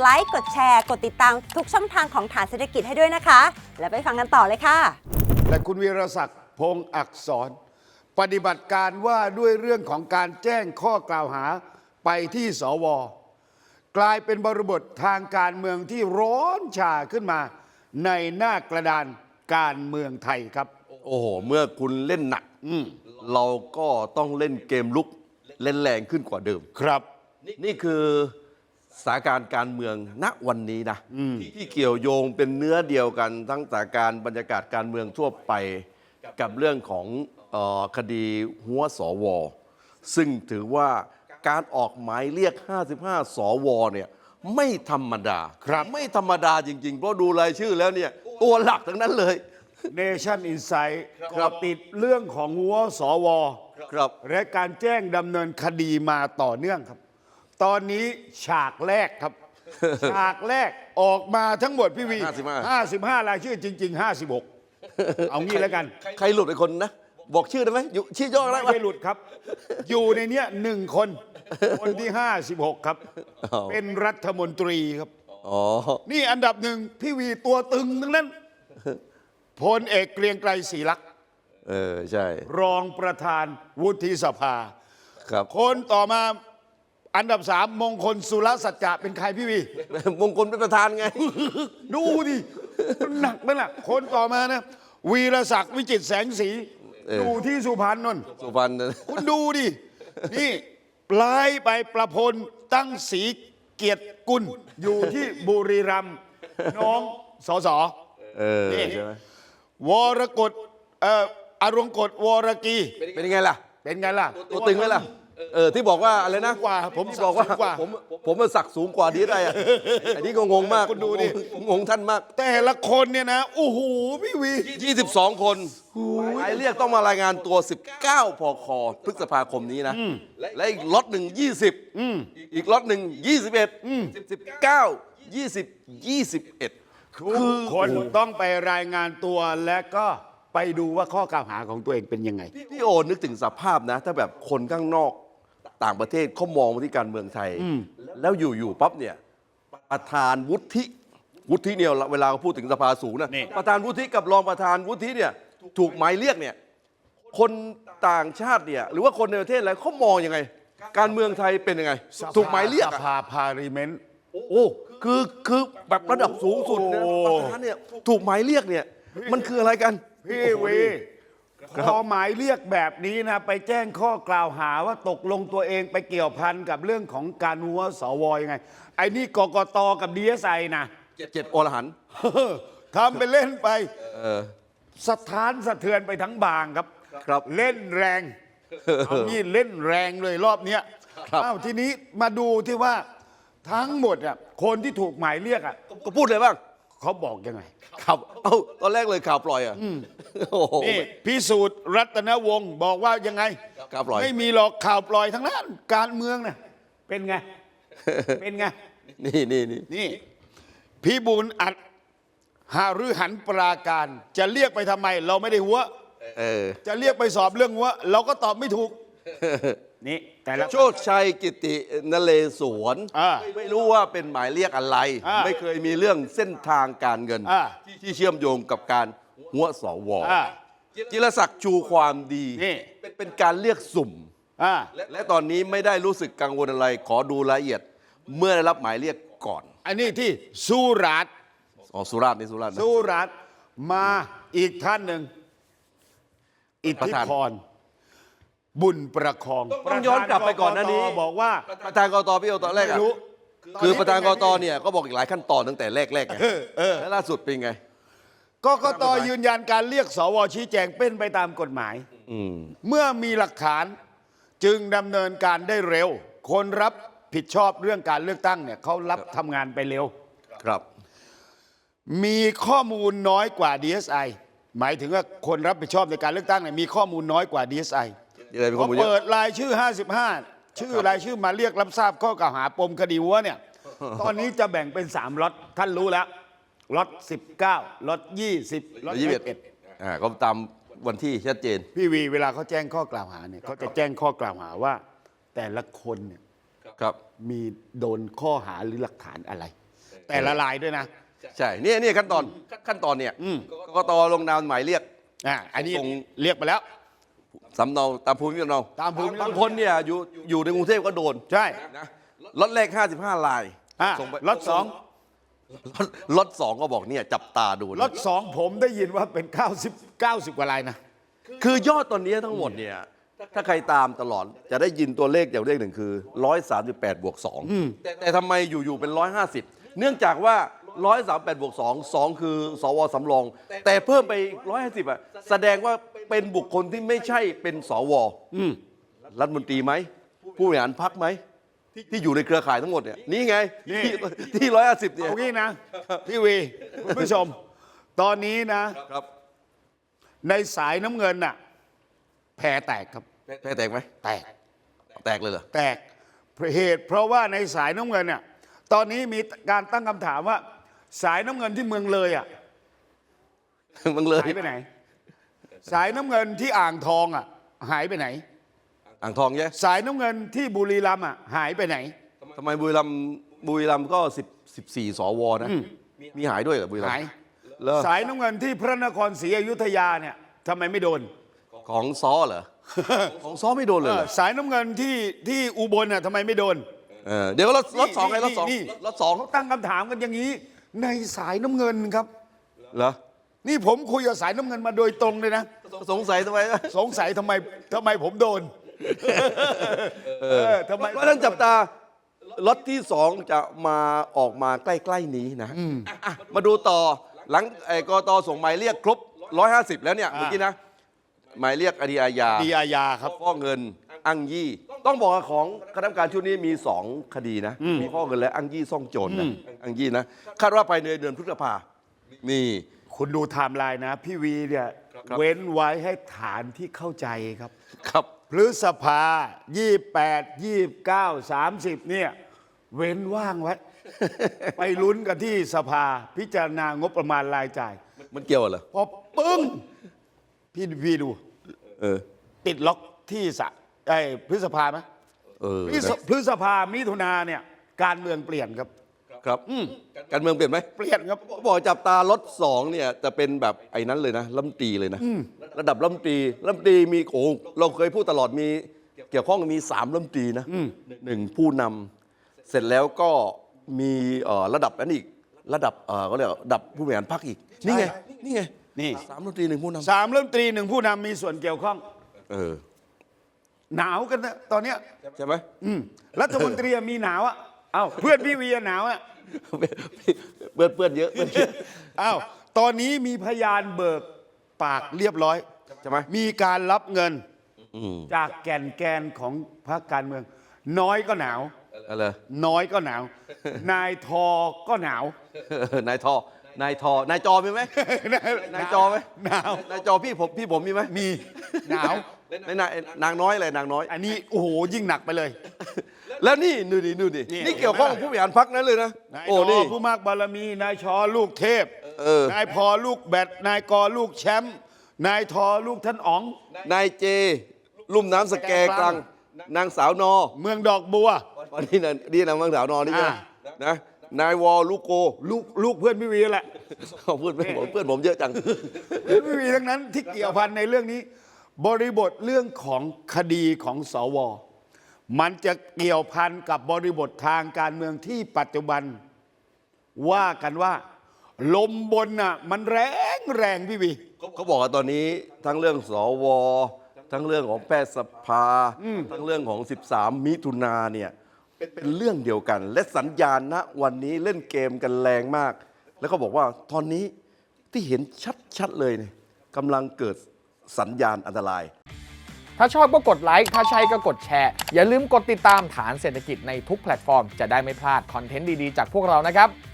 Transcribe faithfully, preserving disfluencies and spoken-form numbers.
ไลค์กดแชร์กดติดตามทุกช่องทางของฐานเศรษฐกิจให้ด้วยนะคะแล้วไปฟังกันต่อเลยค่ะและคุณวีรศักดิ์พงษ์อักษรปฏิบัติการว่าด้วยเรื่องของการแจ้งข้อกล่าวหาไปที่สวกลายเป็นบริบททางการเมืองที่ร้อนชาขึ้นมาในหน้ากระดานการเมืองไทยครับโอ้โหเมื่อคุณเล่นหนักเราก็ต้องเล่นเกมลุกเล่นแรงขึ้นกว่าเดิมครับนี่คือสถานการณ์การเมืองณวันนี้นะที่เกี่ยวโยงเป็นเนื้อเดียวกันทั้งสถานการณ์บรรยากาศการเมืองทั่วไปกับเรื่องของเอ่อคดีหัวสวซึ่งถือว่าการออกหมายเรียกห้าสิบห้าสวเนี่ยไม่ธรรมดาครับไม่ธรรมดาจริงๆเพราะดูรายชื่อแล้วเนี่ยตัวหลักทั้งนั้นเลย Nation Insight ก็ติดเรื่องของหัวสวครับและการแจ้งดำเนินคดีมาต่อเนื่องครับตอนนี้ฉากแรกครับ ฉากแรกออกมาทั้งหมดพี่วีห้าสิบห้าห้าสิบห้ารายชื่อจริง ๆ ห้าสิบหก เอางี้แล้วกันใครหลุดไปคนนะบอกชื่อได้ไหมอยู่ชื่อย่อได้ไหมไม่หลุดครับ อยู่ในเนี้ยหนึ่งคน คนที่ห้าสิบหกครับ เป็นรัฐมนตรีครับอ๋อนี่อันดับหนึ่งพี่วีตัวตึงทั้งนั้นพลเอกเกรียงไกรศรีลักษณ์เออใช่รองประธานวุฒิสภาครับคนต่อมาอันดับสามมงคลสุรสัจจะเป็นใครพี่วีมงคลเป็นประธานไงดูดิมันหนักไหมล่ะคนต่อมานะวีรศักดิ์วิจิตรแสงสีเออดูที่สุพรรณนนท์สุพรรณคุณดูดิ นี่ปลายไปประพลตั้งศรีเกียรติกุลอยู่ที่บุรีรัมย์น้องสสเออนี่ใช่ไหมวรกฎเอ่ออรงกฎวรกีเป็นยังไงล่ะเป็นไงล่ะตัวตึงไหมล่ะ เออที่บอกว่าอะไรนะสูงกว่าผมที่บอกว่าสูงกว่าผมผมมันสักสูงกว่าดีได้อะอันนี้ก็งงมากคุณดูดิงงท่านมากแต่ละคนเนี่ยนะโอ้โหพี่วียี่สิบสองคนหมายเรียกต้องมารายงานตัวสิบเก้าพคพฤษภาคมนี้นะและอีกล็อตหนึ่งยี่สิบอีกล็อตหนึ่งยี่สิบเอ็ดสิบเก้ายี่สิบยี่สิบเอ็ดทุกคนต้องไปรายงานตัวและก็ไปดูว่าข้อกล่าวหาของตัวเองเป็นยังไงพี่โอนึกถึงสภาพนะ ถ้าแบบคนข้างนอกต่างประเทศเขามองมาที่การเมืองไทย แล้วอยู่ๆปั๊บเนี่ยประธานวุฒิวุฒิเนี่ยเวลาเขาพูดถึงสภาสูงนะนี่ประธานวุฒิกับรองประธานวุฒิเนี่ยถูกหมายเรียกเนี่ยคนต่างชาติเนี่ยหรือว่าคนในประเทศอะไรเขามองยังไง การเมืองไทยเป็นยังไง ถูกหมายเรียกสอะภาพาริเมนต์โอ้คือคือแบบระดับสูงสุดนะโอ้ประธานเนี่ยถูกหมายเรียกเนี่ยมันคืออะไรกันพี่วีพอหมายเรียกแบบนี้นะไปแจ้งข้อกล่าวหาว่าตกลงตัวเองไปเกี่ยวพันกับเรื่องของการหัวสวยังไง ไอ้นี่กกตกับดีเอสไอนะเจ็ดอรหันต์ทำไปเล่นไปเออสถานสะเทือนไปทั้งบางครับครับเล่นแรงเอางี้เล่นแรงเลยรอบเนี้ยครับอ้าวทีนี้มาดูที่ว่าทั้งหมดอ่ะคนที่ถูกหมายเรียกอ่ะก็พูดเลยบ้างเขาบอกยังไงข่าวเอ้าตอนแรกเลยข่าวปล่อยอ่ะโอ้โหนี่พิสูจน์รัตนวงศ์บอกว่ายังไงข่าวปล่อยไม่มีหรอกข่าวปล่อยทั้งนั้นการเมืองน่ะเป็นไง เป็นไงนี่นี่นี่นี่พี่บุญอัดหารือหันปราการ จะเรียกไปทำไม เราไม่ได้หัวเออจะเรียกไปสอบเรื่องหัว เราก็ตอบไม่ถูก นี่แต่ละโชคชัยกิตินเรศวรอ่าไม่รู้ว่าเป็นหมายเรียกอะไรอ่าไม่เคยมีเรื่องเส้นทางการเงินอ่าที่เชื่อมโยงกับการหัวสวอ่าจิรศักดิ์ชูความดีนี่เป็นเป็นการเรียกสุ่มอ่าและตอนนี้ไม่ได้รู้สึกกังวลอะไร ขอดูรายละเอียด เมื่อได้รับหมายเรียกก่อนอันนี้ที่สุราษฎร์อ๋อสุราษฎร์นี่สุราษฎร์นะสุราษฎร์มาอีกท่านหนึ่งอิทประธิธานพรบุญประคองต้องย้อนกลับไปก่อนหน้านี้ประธกกตบอกว่าประธานกตพี่โอตอนแรกไม่อะรู้คือประธานกตเนี่ยก็บอกอีกหลายขั้นตอนตั้งแต่แรกๆไงเออเออแล้วล่าสุดเป็นไงกกตยืนยันการเรียกสวชี้แจงเป็นไปตามกฎหมายอืมเมื่อมีหลักฐานจึงดำเนินการได้เร็ว คนรับผิดชอบเรื่องการเลือกตั้งเนี่ยเขารับทำงานไปเร็วครับมีข้อมูลน้อยกว่า ดี เอส ไอ หมายถึงว่าคนรับผิดชอบในการเลือกตั้งเนี่ยมีข้อมูลน้อยกว่า ดี เอส ไออะไรเป็นพข้ออมูลเยเปิอะดรายชื่อ ห้าสิบห้า ชื่อรายชื่อมาเรียกรับทราบข้อกล่าวหาปมคดีวัวเนี่ย ตอนนี้จะแบ่งเป็นสามล็อตท่านรู้แล้วล็อตสิบเก้าล็อตยี่สิบล็อตยี่สิบสิบเอ็เอ็ดดอ่าก็ตามวันที่ชัดเจนพี่วีเวลาเขาแจ้งข้อกล่าวหาเนี่ยเขาจะแจ้งข้อกล่าวหาว่า แต่ละคนเนี่ยครับมีโดนข้อหาหรือหลักฐานอะไรแต่ละรายด้วยนะใช่เนี่ยเนี่ยขั้นตอนขั้นตอนเนี่ยอืมกกตลงนามหมายเรียกอ่าอันนี้ส่งเรียกไปแล้วสำเนาตามภูมิลำเนาตามภูมิลำเนาบางคนเนี่ยอยู่อยู่ในกรุงเทพก็โดนใช่นะล็อตแรกห้าสิบห้ารายอ่าส่งไปล็อตสองล็อตล็อตสองก็บอกเนี่ยจับตาดูนะล็อตสองผมได้ยินว่าเป็นเก้าสิบ เก้าสิบกว่ารายนะคือยอดตอนนี้ทั้งหมดเนี่ยถ้าใครตามตลอดจะได้ยินตัวเลขอย่างเลขหนึ่งคือร้อยสามสิบแปดบวกสองแต่แต่ทำไมอยู่ๆเป็นร้อยห้าสิบเนื่องจากว่าร้อยสามแปดบวกสองสองคือสวสำรอง แต่เพิ่มไปร้อยห้าสิบอ่ะแสดงว่าเป็นบุคคลที่ไม่ใช่เป็นสวรัฐมนตรีไหมผู้บริหารพรรคไหมที่อยู่ในเครือข่ายทั้งหมดเนี่ยนี่ไงนี่ที่ที่ร้อยห้าสิบเนี่ยเอางี้นะ พี่วีคุณผู้ชม ตอนนี้นะครับในสายน้ำเงินน่ะแพรแตกครับแพ้แตกไหมแตกแตกเลยเหรอแตกเหตุเพราะว่าในสายน้ำเงินเนี่ยตอนนี้มีการตั้งคำถามว่า สายน้ำเงินที่เมืองเลยอ่ะมึงเลยหายไปไหน สายน้ำเงินที่อ่างทองอ่ะหายไปไหนอ่างทองใช่ไหมสายน้ำเงินที่บุรีรัมย์อ่ะหายไปไหนทำไมบุรีรัมย์บุรีรัมย์ก็สิบสิบสี่สวนะมีหายด้วยเหรอบุรีรัมหายย์เหรอสายน้ำเงินที่พระนครศรีอยุธยาเนี่ยทำไมไม่โดนของซ้อเหรอ ของซ้อไม่โดนเลยเหรอสายน้ำเงินที่ที่อุบลน่ะทำไมไม่โดนเออเดี๋ยวรถรถสองไงรถสองนี่รถสองเขาตั้งคำถามกันอย่างนี้ ในสายน้ำเงินครับเหรอนี่ผมคุยกับสายน้ำเงินมาโดยตรงเลยนะสงสัยทำไมสงสัยทำไมทำไมผมโดน เออทำไมเพราะฉะนั้นจับตารถที่สองจะมาออกมาใกล้ๆนี้นะอ่ะมาดูต่อหลังไอ้กตส่งหมายเรียกครบร้อยห้าสิบแล้วเนี่ยเมื่อกี้นะหมายเรียกคดีอาญาดีอาญาครับฟอกเงินอ้างยี่ ต้องบอกว่าของคณะกรรมการชุดนี้มีสองคดีนะ มีฟอกเงินและอ้างยี่ซ่องโจรนะอ้างยี่นะคาดว่าภายในเดือนพฤษภานี่คุณดูไทม์ไลน์นะ พี่วีเนี่ยครับเว้นไว้ให้ฐานที่เข้าใจครับครับพฤษภายี่แปดยี่เก้าสามสิบเนี่ย เว้นว่างไว้ ไปลุ้นกันที่สภาพิจารณางบประมาณรายจ่ายมันเกี่ยวเหรอพอปึ้ง พี่พี่ดูเออติดล็อกที่สะไอ้พฤษภาไหมเออพฤษพฤษภามิถุนาเนี่ย การเมืองเปลี่ยนครับครับการเมืองเปลี่ยนไหมเปลี่ยนครับเขาบอกจับตารถสองเนี่ยจะเป็นแบบไอ้นั้นเลยนะรัฐมนตรีเลยนะระดับรัฐมนตรีรัฐมนตรีมีโอ้เราเคยพูดตลอดมีเกี่ยวข้องมีสามรัฐมนตรีนะหนึ่งผู้นำเสร็จแล้วก็มีเอ่อระดับนั้นอีกระดับเอ่อก็เรียกว่าระดับผู้บริหารพรรคอีกนี่ไงนี่ไงนี่สามรัฐมนตรีหนึ่งผู้นสามรัฐมนตรีหนึ่งผู้นำมีส่วนเกี่ยวข้องำเออหนาวกันนะตอนเนี้ยใช่ไหมอืมรัฐมนตรีมีหนาวอ่ะเอ้าเพื่อนพี่วีหนาวอ่ะเปื้อนเปื้อนเยอะเปื้อนเยอะอ้าวตอนนี้มีพยานเบิกปากเรียบร้อยใช่ไหมมีการรับเงินอืมจากแก่นแกนของพรรคการเมือง น้อยก็หนาวอะไรน้อยก็หนาว นายทอก็หนาวนายทอนายทอนายจอมีไหม นายจอไหมหนาวนายจอพี่ผมพี่ผมมีไหมมีหนาวนายนายนางน้อยอะไรนางน้อยอันนี้โอ้โหยิ่งหนักไปเลยแล้วนี่ดูดิดูดินี่นี่เกี่ยวข้องกับผู้บริหารพรรคนั้นเลยนะนายโอ้ทนี่อผู้มากบารมี นายชอลูกเทพเออนายพอลูกแบดนายกอลูกแชมป์นายทอลูกท่านอ๋องนายเจ ลุ่มน้ำสแกกลางนางสาวนอเมืองดอกบัววันนี้นะนี่นางนางสาวนอนี่ใช่ไหมอ่านะนายวอลูกโกลูกลูกเพื่อนพี่วีแหละเขาพูดเพื่อนผมเพื่อนผมเยอะจังเพื่อนพี่วีทั้งนั้นที่เกี่ยวพันในเรื่องนี้ บริบทเรื่องของคดีของสว มันจะเกี่ยวพันกับบริบททางการเมืองที่ปัจจุบัน ว่ากันว่า ลมบนน่ะมันแรงแรงพี่วีเขาบอกว่าตอนนี้ทั้งเรื่องสว ทั้งเรื่องของแพทยสภา ทั้งเรื่องของ สิบสาม มิถุนาเนี่ยเป็นเรื่องเดียวกัน และสัญญาณณวันนี้เล่นเกมกันแรงมาก แล้วก็บอกว่าตอนนี้ที่เห็นชัดๆเลยเนี่ยกำลังเกิดสัญญาณอันตรายถ้าชอบก็กดไลค์ ถ้าใช่ก็กดแชร์ อย่าลืมกดติดตามฐานเศรษฐกิจในทุกแพลตฟอร์ม จะได้ไม่พลาดคอนเทนต์ดี ๆ จากพวกเรานะครับ